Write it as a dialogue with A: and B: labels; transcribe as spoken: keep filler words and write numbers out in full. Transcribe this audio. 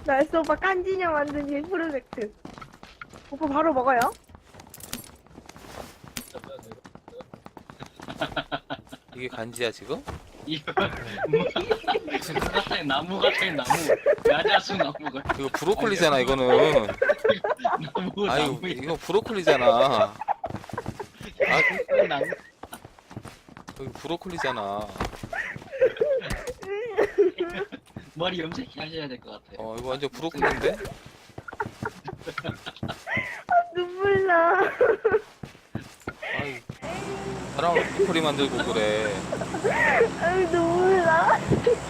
A: 나이스 오빠 깐지냐 만든 일 프로젝트. 오빠 바로 먹어요?
B: 이게 간지야 지금?
C: 이거 뭐 무슨 같은 나무 같은 나무 야자수 나무 같은
B: 이거 브로콜리잖아 이거는.
C: 나무
B: 아유
C: 나무
B: 이거 브로콜리잖아. 아
C: 나무
B: 이거 브로콜리잖아.
C: 머리 염색해 하셔야 될 것 같아요.
B: 어 이거 완전 브로콜리인데?
A: 눈물 나.
B: 아유 사람을 브로콜리 만들고 그래.
A: 아유 눈물 나.